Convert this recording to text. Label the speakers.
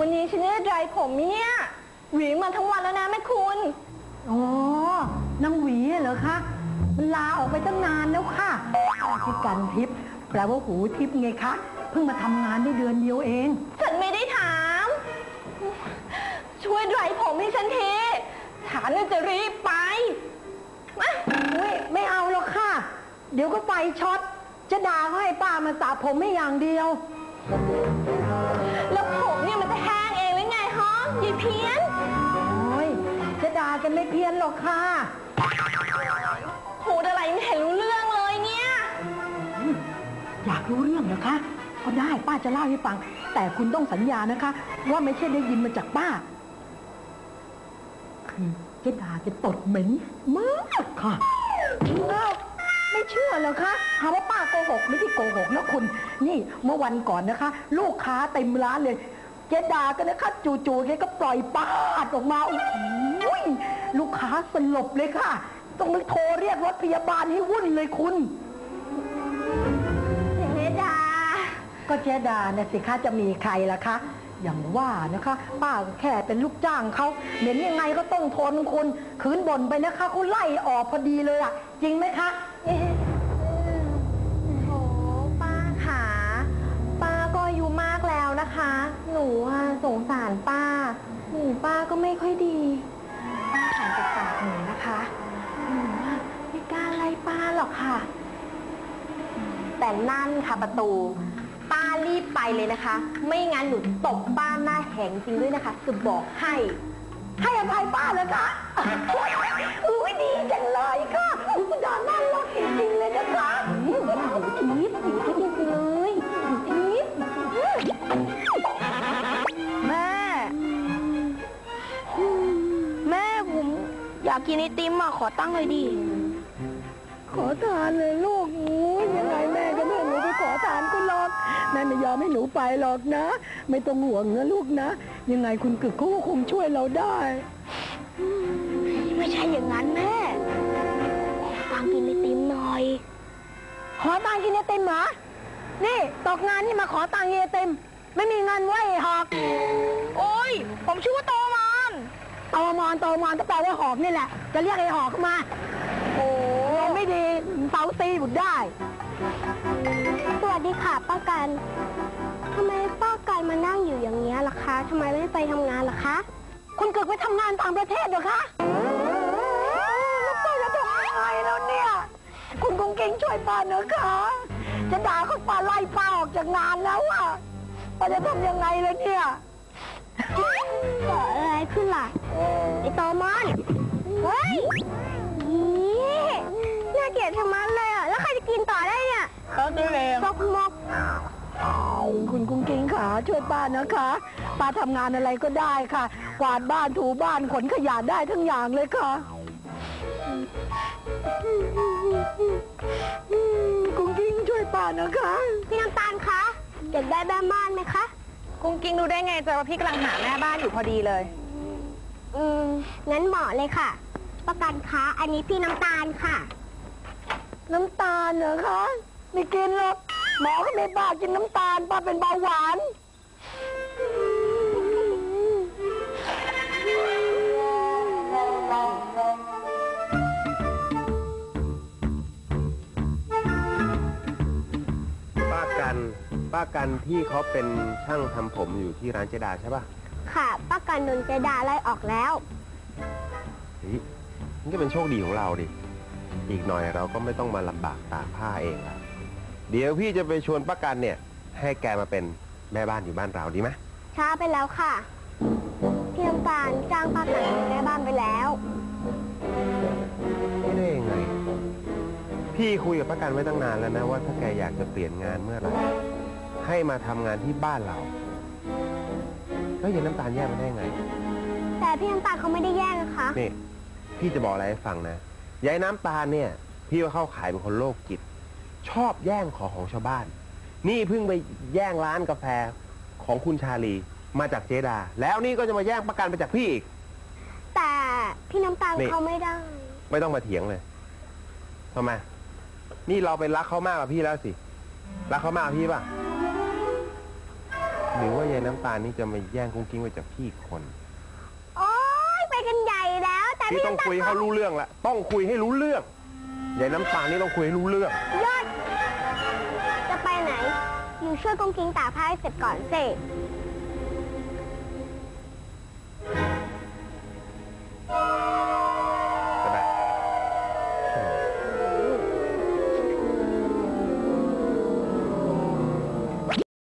Speaker 1: วันนี้ฉันได้ไดร์ผมเนี่ยหวีมาทั้งวันแล้วนะแม่คุณ
Speaker 2: อ๋อนางหวีเหรอคะมันลาออกไปตั้งนานแล้วค่ะชื่อกันทิพย์แปลว่าหูทิพย์ไงคะเพิ่งมาทำงานได้เดือนเดียวเอง
Speaker 1: ฉันไม่ได้ถามช่วยไดร์ผมให้ฉันทีฉันจะรีบไปมา
Speaker 2: ไม่เอาหรอกค่ะเดี๋ยวก็ไฟช็อตจะด่าเขาให้ป้ามาสระผมไม่อย่างเดียว
Speaker 1: แล้วผมเนี่ยมันจะแห้งเองหรือไงฮะยายเพี้ยน
Speaker 2: โอ้ยจะด่ากันไม่เพี้ยนหรอกค่ะ
Speaker 1: พูดอะไรไม่เห็นรู้เรื่องเลยเนี่ย
Speaker 2: อยากรู้เรื่องเหรอคะก็ได้ป้าจะเล่าให้ฟังแต่คุณต้องสัญญานะคะว่าไม่ใช่ได้ยินมาจากป้าคือเจ๊ดาจะตดเหม็นมากค่ะไม่เชื่อเหรอคะหาว่าป้าโกหกไม่ที่โกหกนะคุณนี่เมื่อวันก่อนนะคะลูกค้าเต็มร้านเลยเจ๊ดาก็นะคะจู่ๆแกก็ปล่อยปาดออกมาโอ้โหลูกค้าสลบเลยค่ะต้องนึกโทรเรียกรถพยาบาลให้วุ่นเลยคุณ
Speaker 1: เจ๊ดา
Speaker 2: ก็เจ๊ดาเนี่ยสิคะจะมีใครล่ะคะอย่างว่านะคะป้าแค่เป็นลูกจ้างเขาเหม็นยังไงก็ต้องทนคุณขืนบ่นไปนะคะเขาไล่ออกพอดีเลยอ่ะจริงไหมคะ
Speaker 1: โอ้ป้าขาป้าก็อายุมากแล้วนะคะหนูสงสารป้าหูป้าก็ไม่ค่อยดีป้าหายจากปากหนูนะคะหนูไม่กล้าไล่ป้าหรอกค่ะแต่นั่นค่ะประตูป้ารีบไปเลยนะคะไม่งั้นหนูตบป้าหน้าแหงจริงด้วยนะคะจะบอกให้
Speaker 2: อภัยป้าเลยค่ะอุ้ยดีจังเลยค่ะคุณดาน่ารักจริงๆเลยนะคะ
Speaker 1: ทิพย์จริงๆเลยทิพย์แม่ผมอยากกินไอติมอ่ะขอตั้งเลยดิ
Speaker 2: ขอทานเลยลูกยังไงแม่ก็ไม่ให้หนูไปขอทานคุณหรอกแม่ไม่ยอมให้หนูไปหรอกนะไม่ต้องห่วงนะลูกนะยังไงคุณกึกเขาก็คงช่วยเราได้
Speaker 1: ไม่ใช่อย่างนั้นแม่ตังกินไอติมหน่อย
Speaker 2: ขอตังกินไอติมเหรอนี่ตกงานนี่มาขอตังกินไอติมไม่มีเงินไว้หอก
Speaker 1: โอ้ยผมชื่อว่าโตมอน
Speaker 2: ก็แปลว่าหอกนี่แหละจะเรียกไอ้หอกมาโอ้ไม่ดีเสาตีบุดได้
Speaker 1: สวัสดีค่ะป้ากันทำไมป้ากันมานั่งอยู่อย่างนี้ล่ะคะทำไมไม่ไปทำงานล่ะคะ
Speaker 2: คุณเกิดไปทำงานต่างประเทศเหรอคะแล้วป้าจะทำยังไงแล้วเนี่ยคุณคงเก่งช่วยป้าเนอะคะจะด่าเขาป้าไล่ป้าออกจากงานแล้วอะป้าจะทำยังไงเลยเนี่ย
Speaker 1: เกิดอะไรขึ้นล่ะไอ้โตมอนเฮ้ยนี่น่าเกลียดชะมัดเลยอ่ะแล้วใครจะกินต่อได้เนี่ย
Speaker 2: ก็ได้เลย
Speaker 1: มก
Speaker 2: คุณกุ้งกิ้งขาช่วยป้านะคะป้าทำงานอะไรก็ได้ค่ะกวาดบ้านถูบ้านขนขยะได้ทั้งอย่างเลยค่ะกุ้งกิ้งช่วยป้านะคะ
Speaker 1: พี่น้ำตาลคะอยากได้แม่บ้านไหมคะ
Speaker 3: กุ้งกิ้งรู้ได้ไงจ๊ะว่าพี่กำลังหาแม่บ้านอยู่พอดีเลย
Speaker 1: งั้นเหมาะเลยค่ะประกันคะอันนี้พี่น้ำตาลค่ะ
Speaker 2: น้ำตาลเหรอคะไม่กินหรอกหมอก็ไม่บ้ากินน้ำตาลป้าเป็นเบาหวาน
Speaker 4: ป้ากันที่เขาเป็นช่างทำผมอยู่ที่ร้านเจดาใช่ป่ะ
Speaker 1: ค่ะป้ากันโดนเจดาไล่ออกแล้ว
Speaker 4: นี่ก็เป็นโชคดีของเราดิอีกหน่อยเราก็ไม่ต้องมาลำบากตากผ้าเองละเดี๋ยวพี่จะไปชวนป้ากันเนี่ยให้แกมาเป็นแม่บ้านอยู่บ้านเราดีไหม
Speaker 1: ช้าไปแล้วค่ะพี่น้ำตาลจ้างป้ากันเป็นแม่บ้านไปแล้ว
Speaker 4: ไม่ได้ยังไงพี่คุยกับป้ากันไว้ตั้งนานแล้วนะว่าถ้าแกอยากจะเปลี่ยนงานเมื่อไหร่ให้มาทำงานที่บ้านเราแล้วยายน้ำตาลแย่มาได้ไง
Speaker 1: แต่พี่น้ำตาลเขาไม่ได้แย่งนะคะ
Speaker 4: นี่พี่จะบอกอะไรให้ฟังนะยายน้ำตาลเนี่ยพี่ว่าเข้าขายเป็นคนโรคจิตชอบแย่งของชาวบ้านนี่เพิ่งไปแย่งร้านกาแฟของคุณชาลีมาจากเจดาแล้วนี่ก็จะมาแย่งประกันไปจากพี่อีก
Speaker 1: แต่พี่น้ำตาลเขาไม่ได้
Speaker 4: ไม่ต้องมาเถียงเลยทำไมนี่เราไปรักเขามากกว่าพี่แล้วสิรักเขามากกว่าพี่ป่ะหรือว่ายายน้ำตาลนี่จะมาแย่งกุ้งกิ้งไปจากพี่อีกคน
Speaker 1: โอ๊ยไปกันใหญ่แล้ว แต่
Speaker 4: พี่
Speaker 1: พี่
Speaker 4: ต้อง
Speaker 1: น้ำตา
Speaker 4: คุย
Speaker 1: ล
Speaker 4: ให้เขารู้เรื่องละต้องคุยให้รู้เรื่องยายน้ำตาลนี่ต้องคุยให้รู้เรื่อง
Speaker 1: ยอดจะไปไหน อยู่ช่วยกุ้งกิ้งตากผ้าให้เสร็จก่อนสิ